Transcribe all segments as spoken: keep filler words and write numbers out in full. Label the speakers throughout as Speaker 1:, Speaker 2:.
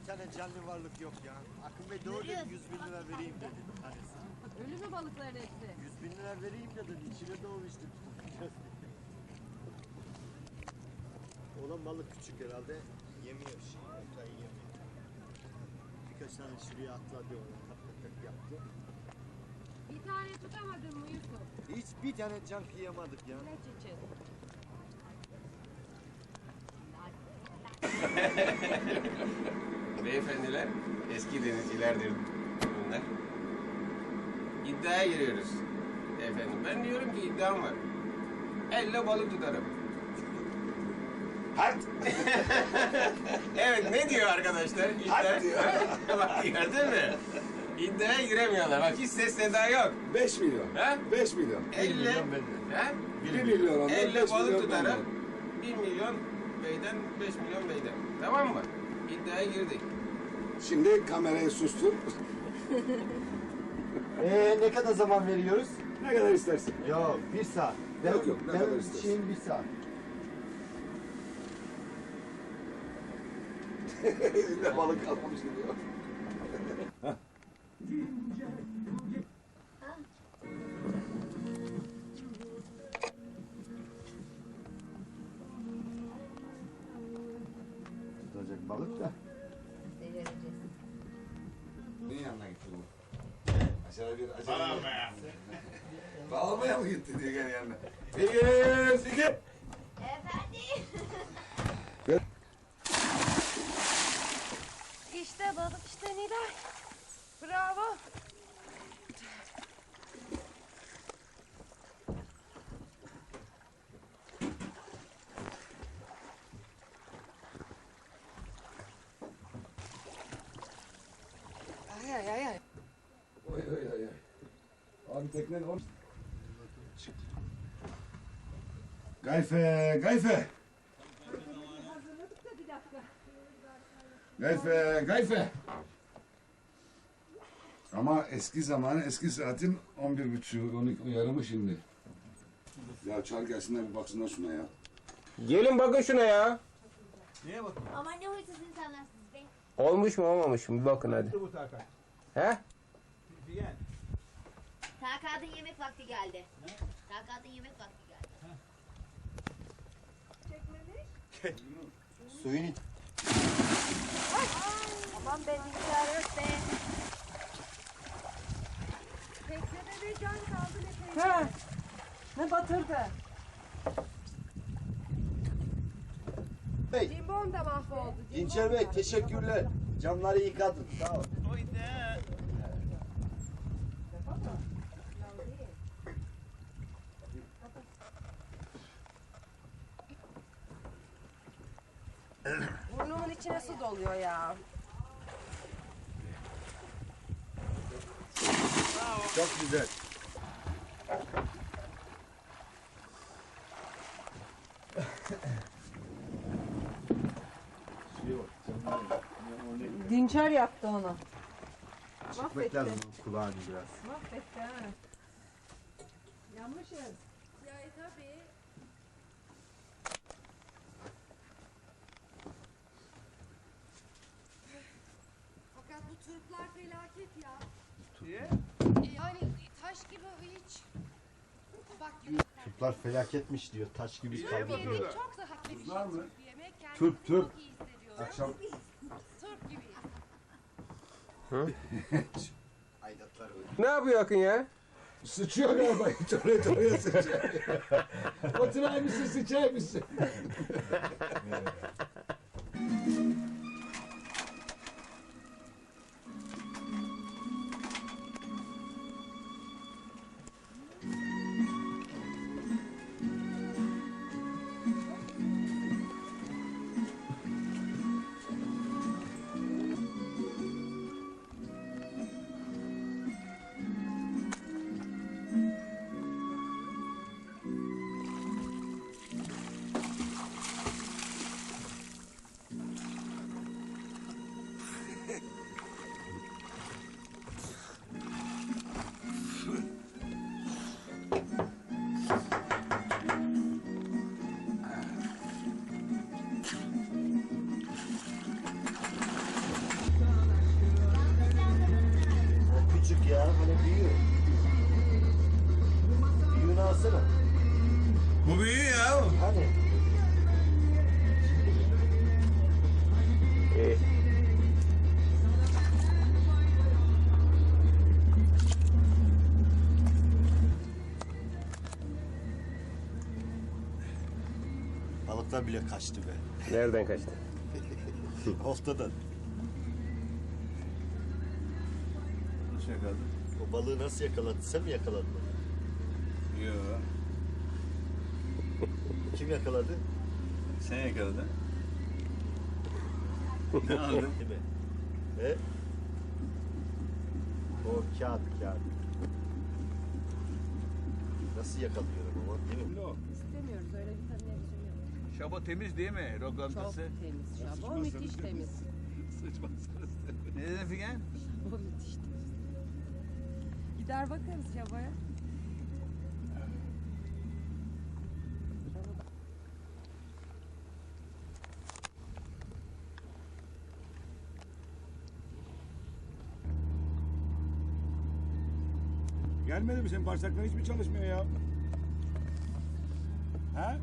Speaker 1: tane canlı varlık yok ya. Akın Bey doğru dedi, yüz bin lira vereyim dedi tanesi.
Speaker 2: Ölü mü balıkların hepsi?
Speaker 1: yüz bin lira vereyim dedi, içine doğmuştu. Olan balık küçük herhalde, yemiyor şey, oltayı yemiyor. Birkaç tane şuraya atladı ona, tak tak tak yaptı.
Speaker 2: Bir tane tutamadın mı Yusuf?
Speaker 1: Hiç bir tane can kıyamadık ya.
Speaker 2: Ne için?
Speaker 3: Beyefendiler eski denizcilerdir bunlar. İddiaya giriyoruz. Efendim ben diyorum ki iddiam var. Elle balık tutarım.
Speaker 4: Hadi.
Speaker 3: Evet ne diyor arkadaşlar? İddia...
Speaker 4: diyor.
Speaker 3: Bak gördün mü? İddiaya giremiyorlar. Bak hiç ses seda yok.
Speaker 4: beş milyon.
Speaker 3: Ha?
Speaker 4: beş milyon.
Speaker 3: Elle,
Speaker 1: milyon benden.
Speaker 3: ha?
Speaker 4: bir milyon ondan,
Speaker 3: Elle
Speaker 4: beş
Speaker 3: balık
Speaker 4: milyon
Speaker 3: tutarım.
Speaker 4: benden.
Speaker 3: bir milyon beyden, beş milyon beyden. Tamam mı? İddiaya girdik.
Speaker 4: Şimdi kamerayı sustur.
Speaker 1: Ee, ne kadar zaman veriyoruz?
Speaker 4: Ne kadar istersin?
Speaker 1: Yok, bir saat.
Speaker 4: Yok, yok, ne
Speaker 1: benim
Speaker 4: kadar istersin?
Speaker 1: şeyim bir saat.
Speaker 4: Elinde balık kalmamış gidiyor.
Speaker 1: Tutacak balık da.
Speaker 2: Devireceğiz.
Speaker 4: Neyin yanına gitti bu? Aşağıda bir acele. Bağlamaya. Bağlamaya mı gitti diye gel yanına. Bir, iki.
Speaker 5: Efendim?
Speaker 2: İşte balık işte Nilay. Bravo. Ay ay ay ay.
Speaker 4: Oy oy oy. Abi teknen on. Gayfe, gayfe.
Speaker 2: Hazırladık da bir dakika.
Speaker 4: Gayfe, gayfe. Ama eski zamanı, eski saatin on bir buçuğu, on iki yarımı şimdi. Ya çağır gelsinler bir baksınlar şuna ya.
Speaker 3: Gelin bakın şuna ya.
Speaker 5: Ama ne huysuz insanlarsınız be.
Speaker 3: Olmuş mu olmamış mı? Bir bakın hadi.
Speaker 6: Bu Tarkan.
Speaker 3: He?
Speaker 6: Diyen.
Speaker 5: Takat'ın yemek vakti geldi. Takat'ın yemek vakti geldi.
Speaker 1: Suyun iç.
Speaker 2: Aman be bilgisayar yok be. Teknede bir can kaldı ne teyze. He. Ne batırdı?
Speaker 1: Bey,
Speaker 2: Cimbom da mahvoldu.
Speaker 1: Dinçer Bey teşekkürler. Camları yıkadın. Sağ ol.
Speaker 2: Burnumun içine su doluyor ya.
Speaker 1: Çok güzel.
Speaker 2: Dinçer yaptı onu.
Speaker 1: Çekmek lazım kulağını biraz.
Speaker 2: Mahvetti ha. Yanmışız. Ya e, tabii. Fakat bu Türkler felaket ya.
Speaker 6: Niye?
Speaker 2: Yani taş gibi hiç. Bak
Speaker 1: Türkler felaketmiş diyor. Taş gibi
Speaker 6: Niye
Speaker 1: kaldı
Speaker 6: bakıyorlar?
Speaker 1: diyor.
Speaker 2: çok daha hafif
Speaker 4: Tuzlar mı?
Speaker 2: bir yemek. Kendimizi
Speaker 4: Türk, Türk.
Speaker 2: çok iyi hissediyoruz.
Speaker 4: Akşam
Speaker 2: Türk gibiyiz.
Speaker 1: Aydatlar öyle.
Speaker 3: Ne yapıyor Akın ya?
Speaker 4: sıçıyor galiba. Hiç oraya oraya sıçıyor. Oturay mısın, sıçay mısın?
Speaker 1: çıkarsana.
Speaker 4: Bu büyüğü ya.
Speaker 1: Hani?
Speaker 3: İyi.
Speaker 1: Balıklar bile kaçtı be.
Speaker 3: Nereden kaçtı?
Speaker 1: Oltadan.
Speaker 4: Nasıl yakaladın?
Speaker 1: O balığı nasıl yakaladın? Sen mi yakaladın?
Speaker 4: Yok.
Speaker 1: Kim yakaladı?
Speaker 4: Sen yakaladın. Ne aldın?
Speaker 1: Değil mi? He? O kağıt, kağıt. Nasıl yakalıyorum ama değil mi?
Speaker 2: İstemiyoruz öyle bir televizyon yok.
Speaker 6: Şabo temiz değil mi?
Speaker 2: Çok
Speaker 6: Lokantası.
Speaker 2: temiz şabo, müthiş temiz.
Speaker 6: Ne dedin Figen?
Speaker 2: Şabo müthiş temiz. Gider bakarız şaboya.
Speaker 7: Gelmedi mi? Senin bağırsakların hiç mi çalışmıyor ya? Ha?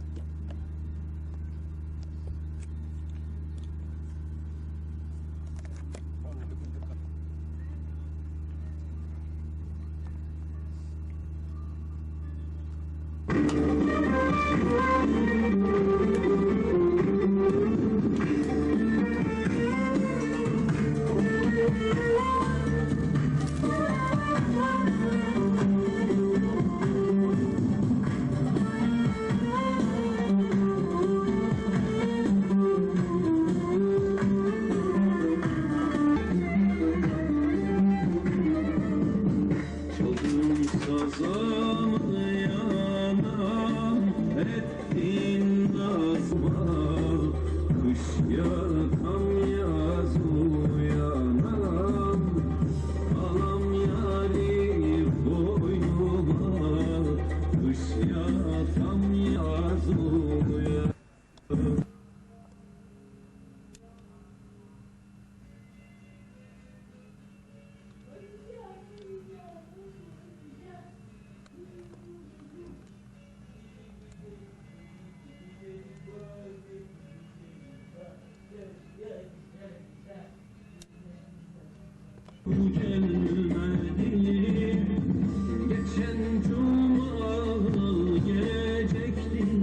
Speaker 8: Geçen cuma gelecekti,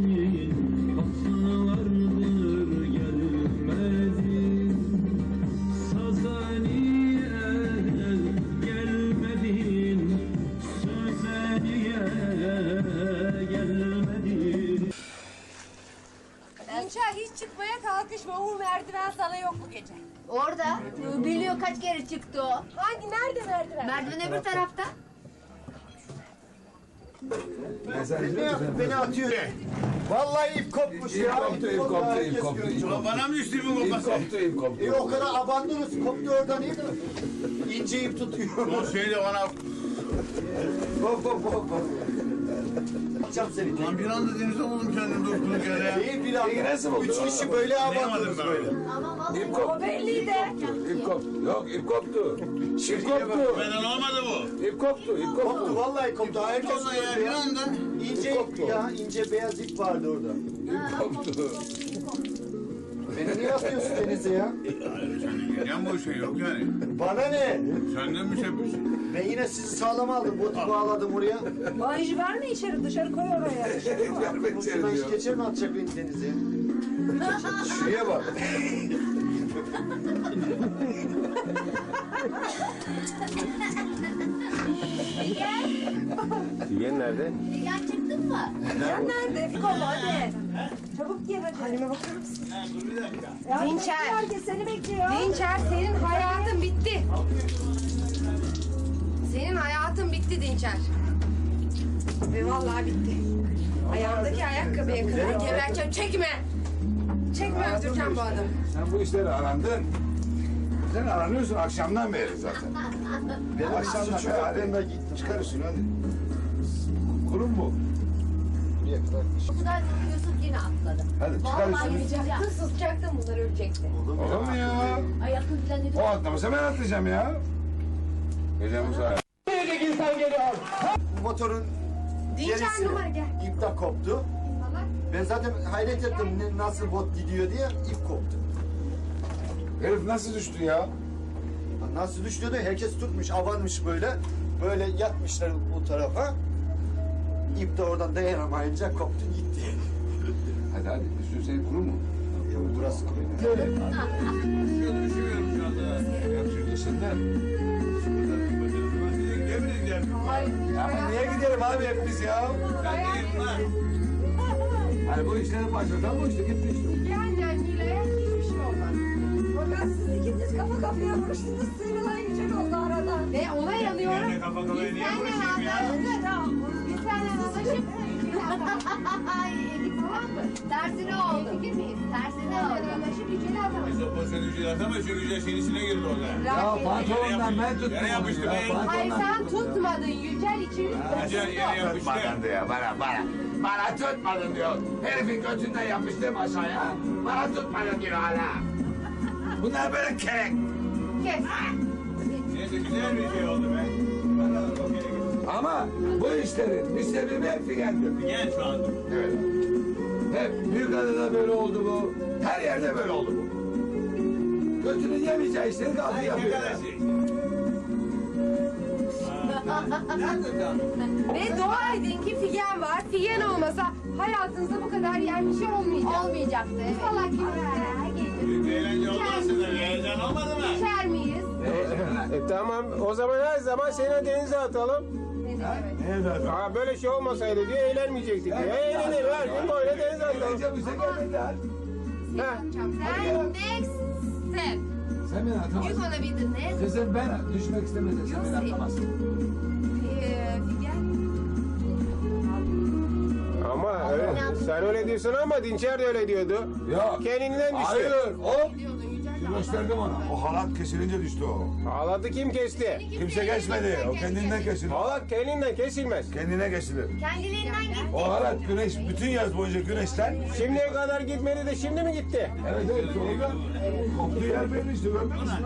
Speaker 8: haftalardır gelmedin. Sazaniye gelmedin, Sözeniye gelmedin.
Speaker 2: İnşa hiç çıkmaya kalkışma. O merdiven sana yok bu gece.
Speaker 5: Orada. Biliyor kaç kere çıktı o.
Speaker 2: Hangi? Nerede merdiven?
Speaker 5: Merdiven öbür tarafta.
Speaker 1: Ne yaptın? Beni atıyor. Vallahi ip kopmuş ya.
Speaker 4: koptu, ip koptu, ip
Speaker 1: Herkes
Speaker 4: koptu,
Speaker 1: görüyor.
Speaker 4: ip koptu.
Speaker 6: Bana mı düştü bu
Speaker 4: İp
Speaker 6: kopası?
Speaker 4: koptu, ip koptu.
Speaker 1: E o kadar abandınız. Koptu oradan ip. İnce ip tutuyor.
Speaker 6: O şeyle bana
Speaker 1: Hop hop hop hop. Atacağım seni.
Speaker 6: lan bir anda denize buldum kendimi durduk yere ya.
Speaker 1: Değil bir anda.
Speaker 4: Peki nasıl buldun?
Speaker 1: Üç kişi böyle abandınız
Speaker 6: Anlayamadım ben.
Speaker 1: böyle.
Speaker 5: Ama vallahi
Speaker 4: İp koptu.
Speaker 2: O belliydi.
Speaker 4: İp koptu. Yok, ip koptu. İp koptu.
Speaker 6: Benden olmadı bu.
Speaker 4: İp koptu, ip
Speaker 1: Koptu
Speaker 4: koptu.
Speaker 1: vallahi koptu. Herkes
Speaker 6: Vallahi ya bir
Speaker 1: gördü ya.
Speaker 6: anda.
Speaker 1: İnce ip ya. İnce beyaz ip vardı orada.
Speaker 4: İp koptu.
Speaker 1: Beni niye atıyorsun denize ya?
Speaker 6: Yan bu şey yok yani.
Speaker 1: Bana ne?
Speaker 6: Senden bir şey yapıyorsun.
Speaker 1: Ben yine sizi sağlam aldım. Botu bağladım oraya.
Speaker 2: Banjı verme içeri, dışarı koy oraya. Dışarı koy.
Speaker 4: Vermek
Speaker 1: Boşuna
Speaker 4: diyor.
Speaker 1: iş geçer mi atacak beni denize?
Speaker 4: Şuraya bak.
Speaker 5: Figen.
Speaker 3: Figen nerede?
Speaker 5: Figen çıktın mı?
Speaker 2: Sen nerede? Fiko hadi. Çabuk gel hadi. Halime bakar mısın? Dinçer. Herkes seni bekliyor. Dinçer senin hayatın bitti. Senin hayatın bitti Dinçer. Ve vallahi bitti. Ayağındaki ayakkabıya kadar geberteceğim. Çekme. Çekme öldüreceğim bu adamı.
Speaker 4: Sen bu işleri arandın. Sen aranıyorsun akşamdan beri zaten.
Speaker 1: Benim
Speaker 4: Akşamdan
Speaker 1: suçum
Speaker 4: beri
Speaker 1: yok.
Speaker 4: hadi.
Speaker 1: Ben de gittim.
Speaker 4: Çıkarırsın hadi. Kurum bu.
Speaker 1: Buraya kadar.
Speaker 5: O kadar Yusuf yine atladı.
Speaker 4: Hadi
Speaker 5: Vallahi
Speaker 4: çıkarırsın.
Speaker 5: yüzeceğim.
Speaker 2: Sıçacaktın, sıçacaktın bunlar ölecekti.
Speaker 1: Olur mu?
Speaker 4: Olur mu ya?
Speaker 5: Ayaklı düzenli.
Speaker 4: O atlamasa ben atlayacağım ya. Gece bu saat.
Speaker 1: Bu motorun
Speaker 2: Dinçer
Speaker 1: gerisini.
Speaker 2: numara gel.
Speaker 1: İp de koptu.
Speaker 2: Salak.
Speaker 1: Ben zaten hayret ettim ne- nasıl bot gidiyor diye ip koptu.
Speaker 4: Herif nasıl düştü ya?
Speaker 1: Nasıl düştü de herkes tutmuş, avanmış böyle. Böyle yatmışlar bu tarafa. İp de oradan dayanamayınca koptu gitti.
Speaker 4: Hadi hadi üstün senin kuru mu?
Speaker 1: Yok burası kuru.
Speaker 6: Şöyle düşünüyorum şu anda.
Speaker 4: Yakışıklı senden.
Speaker 6: Yemin ederim.
Speaker 4: Ya ama niye gidelim abi hep biz ya?
Speaker 6: Ben değilim lan.
Speaker 4: Hani bu işlerin başından bu işte gitti işte.
Speaker 2: Cehennem Hilal'e hiçbir şey olmaz. Fakat siz ikiniz kafa kafaya vuruştunuz. Sıyrılan güzel oldu arada. Ve olay alıyorum.
Speaker 6: Ben de kafa kafaya niye vuruşayım ya?
Speaker 2: Biz seninle anlaşıp
Speaker 5: Ay, tamam mı? Tersine oldu.
Speaker 2: fikir miyiz?
Speaker 5: Tersine
Speaker 2: Seninle
Speaker 5: oldu.
Speaker 2: anlaşıp yüceli atamayız.
Speaker 6: Biz o pozisyonu yücel atamayız çünkü yücel şeyin içine girdi orada.
Speaker 4: Ya pantolondan ben tuttum
Speaker 6: Yere yapıştı
Speaker 4: onu ya.
Speaker 6: be.
Speaker 2: Hayır
Speaker 4: Pantolondan
Speaker 2: sen
Speaker 4: tuttum ya.
Speaker 2: tutmadın. Yücel için.
Speaker 6: Yücel yere yapıştı.
Speaker 4: Tutmadın diyor bana bana. Bana tutmadın diyor. Herifin götünden yapıştım aşağıya. Bana tutmadın diyor hala. Bunlar böyle kerek.
Speaker 2: Kes.
Speaker 6: Neyse güzel bir şey oldu be. Bakalım o kere gitsin.
Speaker 4: Ama bu işlerin bir sebebi hep figendir.
Speaker 6: Gel şu anda.
Speaker 4: Evet. Hep Büyükada'da böyle oldu bu. Her yerde böyle oldu bu. Götünün yemeyeceği işleri kaldı
Speaker 6: Ay
Speaker 4: yapıyor. ya.
Speaker 6: arkadaşı. Aa, Nerede kaldın?
Speaker 2: Ve dua edin ki figen var. Figen olmasa hayatınızda bu kadar yer bir şey olmayacak.
Speaker 5: Olmayacaktı. Evet.
Speaker 2: Salak gibi.
Speaker 6: Büyük bir eğlence oldu aslında. Bir heyecan olmadı mı?
Speaker 2: İçer miyiz?
Speaker 9: E, tamam o zaman her zaman seni denize atalım.
Speaker 2: Ne demek?
Speaker 9: Aa, böyle şey olmasaydı diyor eğlenmeyecektik diyor. Eğlenelim her gün böyle denize atalım.
Speaker 4: Eğlence bize gelmediler.
Speaker 2: Seni atacağım. Sen next step.
Speaker 4: Sen beni
Speaker 2: You
Speaker 4: atamazsın.
Speaker 2: gonna be the next.
Speaker 4: Kızım ben düşmek istemezsen sen beni
Speaker 2: Yossi.
Speaker 4: atamazsın.
Speaker 2: Ee, figen.
Speaker 9: Ama öyle, sen öyle diyorsun ama Dinçer de öyle diyordu.
Speaker 4: Ya.
Speaker 9: Kendinden düştü.
Speaker 4: Hayır. Hop.
Speaker 2: Diyordun Yücel de
Speaker 4: Gösterdim ona. O halat kesilince düştü o.
Speaker 9: Ağladı kim kesti?
Speaker 4: Kimse geçmedi. O kendinden kesilir.
Speaker 9: Ağlat kendinden kesilmez.
Speaker 4: Kendine kesilir.
Speaker 5: Kendilerinden gitti.
Speaker 4: O halat güneş, bütün yaz boyunca güneşten.
Speaker 9: Şimdiye kadar gitmedi de şimdi mi gitti?
Speaker 4: Evet evet sonra koptuğu yer belli işte görmüyor musun?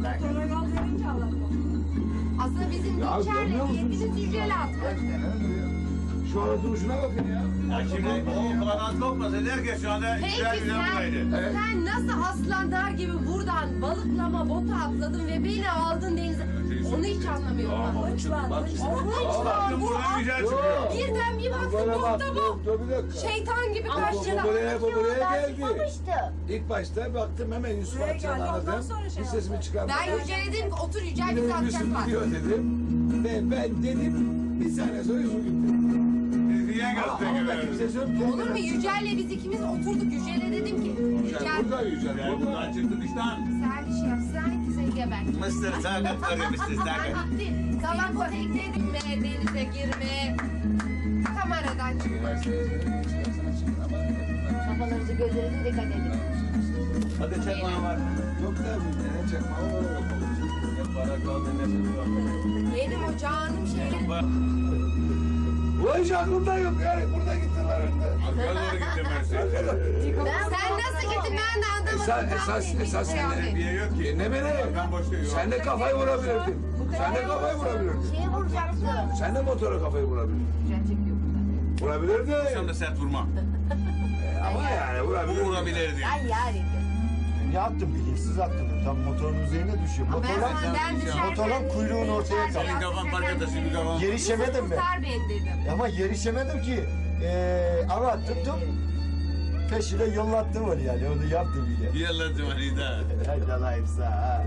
Speaker 2: Aslında bizim
Speaker 4: Ya,
Speaker 2: Dinçer'le
Speaker 4: görmüyor musun?
Speaker 2: niyetimiz Yücel'e atmak.
Speaker 4: Şu ara duruşuna bakın ya.
Speaker 6: Ya şimdi o kanat kopmasaydı herkes şu anda
Speaker 2: Peki
Speaker 6: güzel güzel buradaydı.
Speaker 2: sen, sen nasıl aslanlar gibi buradan balıklama bota atladın ve beni aldın denize? Onu hiç anlamıyorum ben. Lütfen.
Speaker 6: Baktım buradan güzel çıkıyor.
Speaker 2: Birden bir baktım
Speaker 4: Bana bak
Speaker 2: botta
Speaker 4: dur,
Speaker 2: bu.
Speaker 4: dur bir dakika.
Speaker 2: Şeytan gibi
Speaker 4: Bu
Speaker 2: karşıda.
Speaker 4: buraya, bu buraya geldi.
Speaker 5: Çıkmamıştı.
Speaker 4: İlk başta baktım hemen Yusuf Akçan'ı aradım. Bir sesimi çıkarmadım.
Speaker 2: Ben Yücel'e dedim ki otur Yücel bizi
Speaker 4: Yine
Speaker 2: atacak
Speaker 4: Yusuf
Speaker 2: var.
Speaker 4: gidiyor dedim. Ve ben dedim bir saniye sonra Yusuf gitti.
Speaker 6: Niye
Speaker 4: Ama
Speaker 6: gösteriyor
Speaker 4: onda
Speaker 6: böyle?
Speaker 4: kimse söylemiyor.
Speaker 2: Olur mu Yücel'le biz ikimiz oturduk. Yücel'e dedim ki
Speaker 4: Yücel
Speaker 2: Yücel
Speaker 4: burada Yücel
Speaker 6: Ya
Speaker 4: burada.
Speaker 6: buradan çıktı dıştan.
Speaker 2: sen bir şey yap. Sen ikisi geber.
Speaker 6: Mısır sakın arıyor Mısır sakın.
Speaker 2: Bitti. Sabah bu teknedim mi denize girme. Kameradan çıkma.
Speaker 5: Kafalarınızı gözlerinize dikkat edin.
Speaker 6: Hadi çakma var.
Speaker 4: Yok da bir ne çakma o.
Speaker 6: Ne para kaldı ne çakma.
Speaker 2: Benim o canım şeyim.
Speaker 4: Bu iş aklımda yok yani. Burada gittiler önde.
Speaker 6: Arkaya doğru gittim ben seni.
Speaker 2: Sen nasıl gittin ben de anlamadım.
Speaker 4: Esas,
Speaker 2: Tam
Speaker 4: esas,
Speaker 2: bir
Speaker 4: esas
Speaker 2: şey
Speaker 4: sen
Speaker 2: abi.
Speaker 4: de.
Speaker 6: Bir yer yok ki.
Speaker 4: Dinle beni.
Speaker 6: Ben boşta yok.
Speaker 4: Sen de kafayı vurabilirdin. Sen de kafayı vurabilirdin.
Speaker 5: Şeye vuracaktı.
Speaker 4: Sen de motora kafayı vurabilirdin. Vurabilirdin.
Speaker 6: Sen de sert vurma.
Speaker 4: Ama yani
Speaker 6: Bu
Speaker 4: vurabilirdin.
Speaker 6: vurabilirdi.
Speaker 5: Ben yani.
Speaker 1: Ne yaptım bilinçsiz attım. Tam motorun üzerine düşüyor.
Speaker 2: Ben
Speaker 1: Motorun,
Speaker 2: senden düşerken...
Speaker 1: motorun kuyruğunu ortaya
Speaker 2: Yücel
Speaker 6: Senin kafan park atası bir kafan.
Speaker 1: Yerişemedim mi?
Speaker 2: Kurtar beni dedim.
Speaker 1: Ama yerişemedim ki. Ee, ama tuttum. Peşine yollattım onu yani. Onu yaptım bile.
Speaker 6: Yaladım hani daha.
Speaker 1: Helal dalayım ha.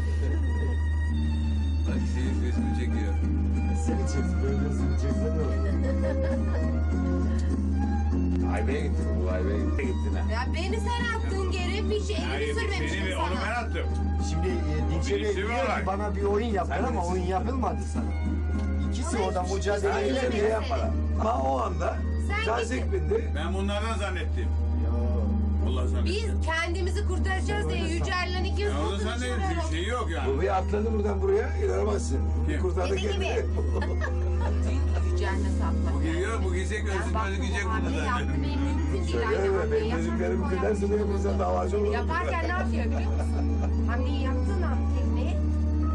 Speaker 6: Bak senin resmi çekiyor.
Speaker 1: Seni çeksin. Böyle seni çeksen ne olur?
Speaker 4: Aybe'ye gittin. Bu Aybe'ye gittin. Gittin ha.
Speaker 2: Ya beni sen attın geri bir şey elini
Speaker 6: Hayır
Speaker 2: sürmemiştim
Speaker 6: seni onu ben
Speaker 2: sana.
Speaker 6: attım.
Speaker 1: Şimdi e, Dinçer'e
Speaker 6: Birisi
Speaker 1: diyor
Speaker 6: var.
Speaker 1: ki bana bir oyun yaptın
Speaker 4: Sen
Speaker 1: ama
Speaker 4: bilirsin.
Speaker 1: oyun yapılmadı sana. İkisi
Speaker 2: Ama
Speaker 1: orada
Speaker 2: hiçbir şey
Speaker 1: mücadele
Speaker 4: Sen
Speaker 2: söylemedim.
Speaker 4: yine
Speaker 1: ediyor.
Speaker 4: bir yapmadan. Ama o anda
Speaker 2: Sen
Speaker 4: tazik bindi.
Speaker 6: Ben bunlardan zannettim. Allah zannettim.
Speaker 2: Biz kendimizi kurtaracağız diye Yücel'le ikimiz
Speaker 6: Ya o da
Speaker 2: kurtuluşlar
Speaker 6: zannettim. Bir şey yok yani.
Speaker 4: Bu bir atladı buradan buraya. İnanamazsın. Bir
Speaker 6: Kim?
Speaker 4: kurtardı
Speaker 5: Dediği
Speaker 4: kendini.
Speaker 2: Yücel nasıl atmak?
Speaker 6: Bu giriyor bu giyecek
Speaker 2: Ben
Speaker 6: ölsün
Speaker 2: baktım
Speaker 6: böyle giyecek
Speaker 2: o
Speaker 6: bunu
Speaker 2: hamle yaptı
Speaker 6: zaten.
Speaker 2: benim mümkün değil.
Speaker 4: Söyle
Speaker 2: Aynı
Speaker 4: mi?
Speaker 2: hamleyi
Speaker 4: Benim
Speaker 2: yaparken
Speaker 4: müziklerimi
Speaker 2: o
Speaker 4: dinlersin diye
Speaker 2: yaptı.
Speaker 4: bizden davacı olur.
Speaker 2: Yaparken ne yapıyor biliyor musun? Hamleyi yaptığın an tekneye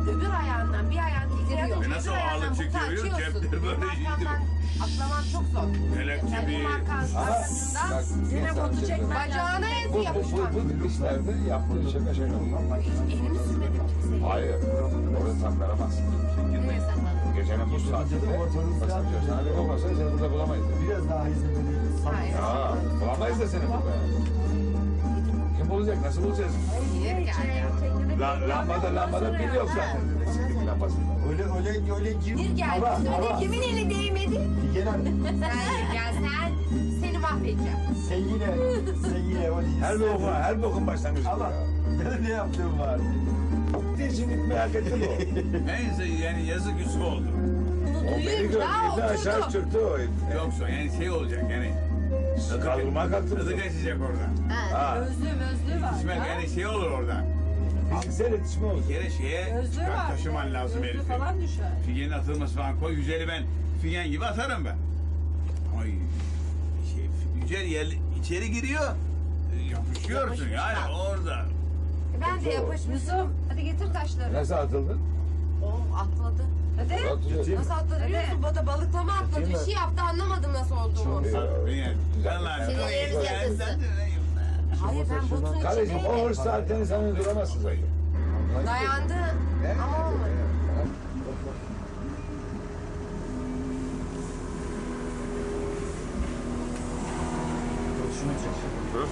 Speaker 2: öbür ayağından bir ayağını indiriyor.
Speaker 6: E nasıl
Speaker 2: öbür ayağından
Speaker 6: ağırlık
Speaker 2: butu
Speaker 6: çekiyor?
Speaker 2: açıyorsun.
Speaker 6: Cepleri böyle
Speaker 2: Benim
Speaker 6: iyiydi.
Speaker 2: arkamdan atlamam çok zor.
Speaker 6: Kelepçe
Speaker 2: Kendi
Speaker 6: bir...
Speaker 2: markan
Speaker 4: Ama
Speaker 2: arkasından
Speaker 4: bak,
Speaker 2: yine
Speaker 4: insan
Speaker 2: botu
Speaker 4: şey-
Speaker 2: çekmen bacağına
Speaker 4: Bu,
Speaker 2: ezi
Speaker 4: bu, bu,
Speaker 2: yapışmak.
Speaker 4: bu dikişlerde yaptığı şaka şaka.
Speaker 2: Elimi sürmedim kimseye.
Speaker 4: Hayır, orada saklanamazsın.
Speaker 5: Nereye saklandın?
Speaker 4: Gecenin bu saatinde basabiliyor. Sana bir olmasa seni burada bulamayız.
Speaker 1: Biraz daha izlemeliyiz.
Speaker 2: Hayır.
Speaker 4: Aa, bulamayız da seni burada. Kim bulacak? Nasıl bulacağız?
Speaker 2: Niye geldi?
Speaker 4: La, lambada lambada pil yok zaten. Siktir lambasında.
Speaker 1: Öyle öyle öyle gir.
Speaker 2: Bir geldi
Speaker 1: Hava,
Speaker 2: söyle
Speaker 1: hava.
Speaker 2: kimin eli değmedi?
Speaker 1: Figen Hanım.
Speaker 2: Sen gel sen seni mahvedeceğim.
Speaker 1: Sen yine, sen yine o değilsin.
Speaker 4: Her bokun, her bokun başlangıcı
Speaker 1: Ama
Speaker 4: bu ya.
Speaker 1: benim ne yaptığım var.
Speaker 4: Şimdi merak ettim o.
Speaker 6: Neyse yani yazık Yusuf oldu.
Speaker 4: O beni
Speaker 2: Duyunca
Speaker 4: gördü, bir aşağı
Speaker 2: oturdu.
Speaker 4: çırptı o.
Speaker 6: Yoksa yani şey olacak yani.
Speaker 4: Kaldırma kalktı.
Speaker 6: Tadı kaçacak orada.
Speaker 4: Ha,
Speaker 2: Özlü özlü var.
Speaker 6: İsmet yani şey olur orada.
Speaker 4: fiziksel iletişme oldu.
Speaker 6: Bir kere şeye çıkar, taşıman lazım herifi.
Speaker 2: falan düşer.
Speaker 6: Figenin atılması falan koy. Yücel'i ben Figen gibi atarım ben. Ay şey, Yücel yer, içeri giriyor. e, Yapışıyorsun
Speaker 2: Yapışmışlar.
Speaker 6: yani orada.
Speaker 2: Ben de yapışmışım. Hadi getir taşları.
Speaker 4: Nasıl atıldın?
Speaker 2: O atladı. Hadi.
Speaker 4: Atılıyor.
Speaker 2: Nasıl atladı biliyor musun? Bada balıklama atladı. Bir şey yaptı anlamadım nasıl olduğunu.
Speaker 6: Yani, ben lan.
Speaker 5: Sinirlerimiz yatılsın.
Speaker 2: Hayır ben botun
Speaker 4: Kardeşim o
Speaker 2: içindeydim.
Speaker 4: hırs zaten sana duramazsın zaten.
Speaker 2: Dayandı ama olmadı.
Speaker 1: Şunu çek.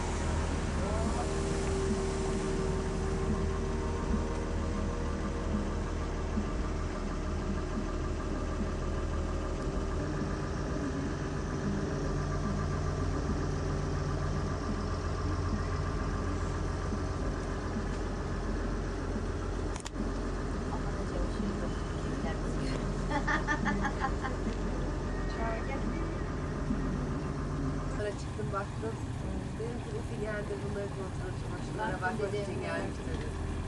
Speaker 2: Sonra çıktım baktım. Dedim ki Ufi geldi bunları kontrol çamaşırlara bakmak için gelmiş dedi.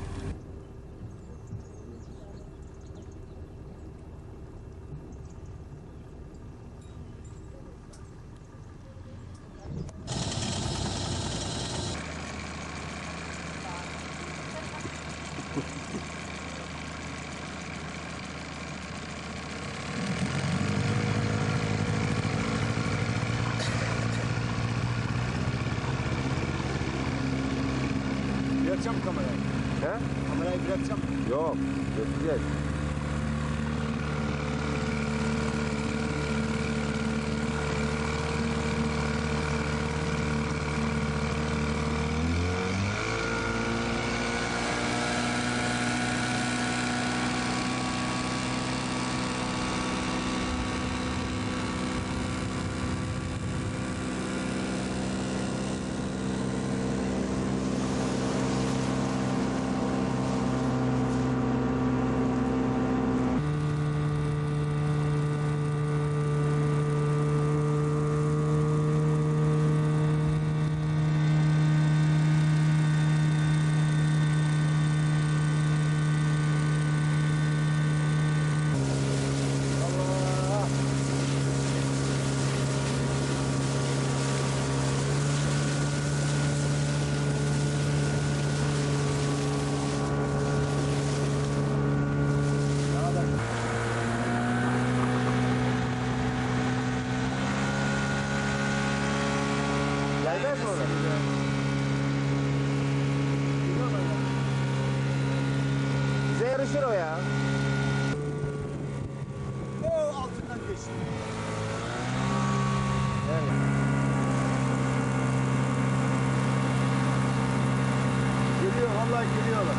Speaker 1: Bırakacağım kamerayı.
Speaker 4: He?
Speaker 1: Kamerayı bırakacağım.
Speaker 4: Yok. Götüreceğiz.
Speaker 9: Gelmez mi ona? Bize yarışır o ya.
Speaker 1: O altından geçti. Geliyor vallahi geliyorlar.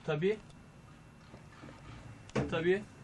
Speaker 10: Tabii. Tabii.